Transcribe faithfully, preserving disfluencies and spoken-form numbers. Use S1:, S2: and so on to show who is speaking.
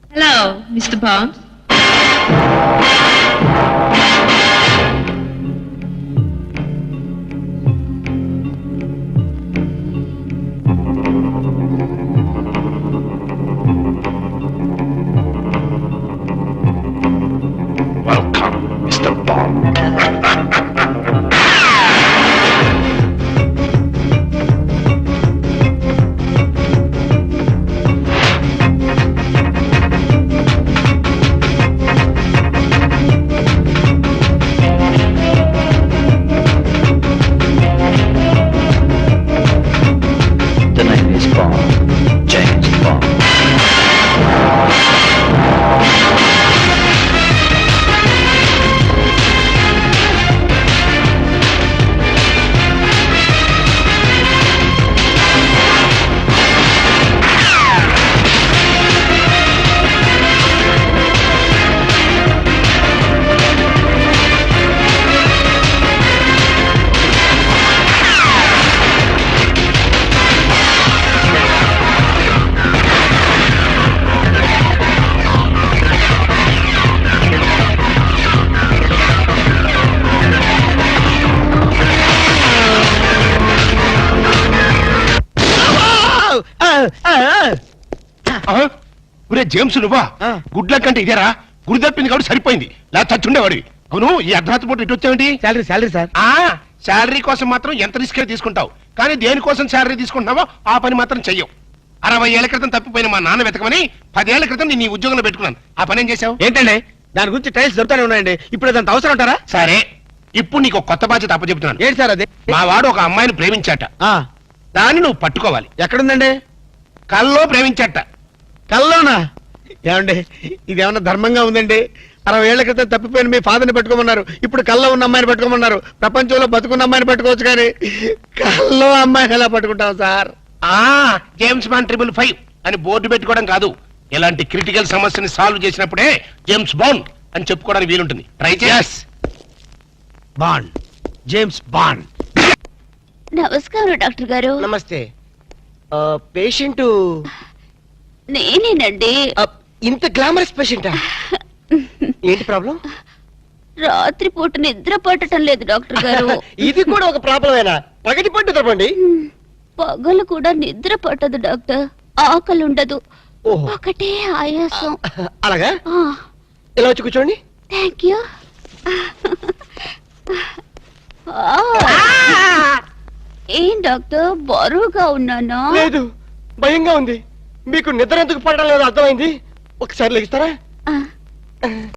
S1: Hello, Mister Bond.
S2: Welcome, Mister Bond. The name is Bond, James Bond.
S3: ఒరే James నువ్వా గుడ్ల కంటే ఇదేరా గుడి తప్పింది కాబట్టి సరిపోయింది లేదా చచ్చుండేవాడు. అవును ఈ అర్ధరాత్రి పూట ఇటు వచ్చావేంటి?
S4: Salary salary sir.
S3: ఆ శాలరీ కోసం మాత్రం ఎంత రిస్క్ తీసుకుంటావు, కానీ దేనికోసం శాలరీ తీసుకుంటున్నావో ఆ పని మాత్రం చెయ్యవు. అరవై ఏళ్ల క్రితం తప్పిపోయిన మా నాన్న వెతకమని పదేళ్ల క్రితం నేను ఈ ఉద్యోగంలో పెట్టుకున్నాను. ఆ పని ఏం చేశావు?
S4: ఏంటండి దాని గురించి టైల్స్ దొరుకుతానే ఉన్నాయండి. ఇప్పుడు అదంత అవసరం ఉంటారా?
S3: సరే ఇప్పుడు నీకు ఒక కొత్త బాధ్యత అప్పచెప్తున్నాను.
S4: ఏంటి సార్ అది?
S3: మా వాడు ఒక అమ్మాయిని ప్రేమించాట,
S4: ఆ,
S3: దాన్ని నువ్వు పట్టుకోవాలి.
S4: ఎక్కడుందండి?
S3: కల్లో ప్రేమించాట.
S4: కల్లోనా? ఏమండి ఇదేమన్నా ధర్మంగా ఉందండి? అరవై ఏళ్ల క్రితం తప్పిపోయిన మీ ఫాదర్ని పెట్టుకోమన్నారు, ఇప్పుడు కల్లో ఉన్న అమ్మాయిని పెట్టుకోమన్నారు. ప్రపంచంలో బతుకున్న అమ్మాయిని పెట్టుకోవచ్చు, కానీ కల్లో అమ్మాయిని ఎలా పట్టుకుంటాం సార్?
S3: ఆ జేమ్స్ బాండ్ ట్రిపుల్ ఫైవ్ అని బోర్డు పెట్టుకోవడం కాదు, ఇలాంటి క్రిటికల్ సమస్యని సాల్వ్ చేసినప్పుడే జేమ్స్ బాండ్ అని చెప్పుకోవడానికి వీలుంటుంది. ట్రై చేస్.
S4: Bond, James Bond.
S5: నమస్కారం డాక్టర్ గారు.
S6: నమస్తే. పేషెంట్
S5: నేనేనండి.
S6: ఇంత గ్లామరస్ పేషెంటా? ఏంటి ప్రాబ్లం?
S5: రాత్రి పూట నిద్ర పట్టడం లేదు డాక్టర్ గారు.
S6: ఇది కూడా ఒక ప్రాబ్లమేనా? పగటి పట్టు తప్పండి.
S5: పగలు కూడా నిద్ర పట్టదు డాక్టర్. ఆకలి ఉండదు,
S6: ఓహో.
S5: ఒకటే ఆయాసం.
S6: అలాగా? ఇలా వచ్చి కూర్చోండి.
S5: Thank you. ఏం డాక్టర్ బరువుగా ఉన్నానా?
S6: లేదు, భయంగా ఉంది. మీకు నిద్ర ఎందుకు పడడం లేదు అర్థమైంది. ఒకసారి లెగిస్తారా?
S5: ఆ.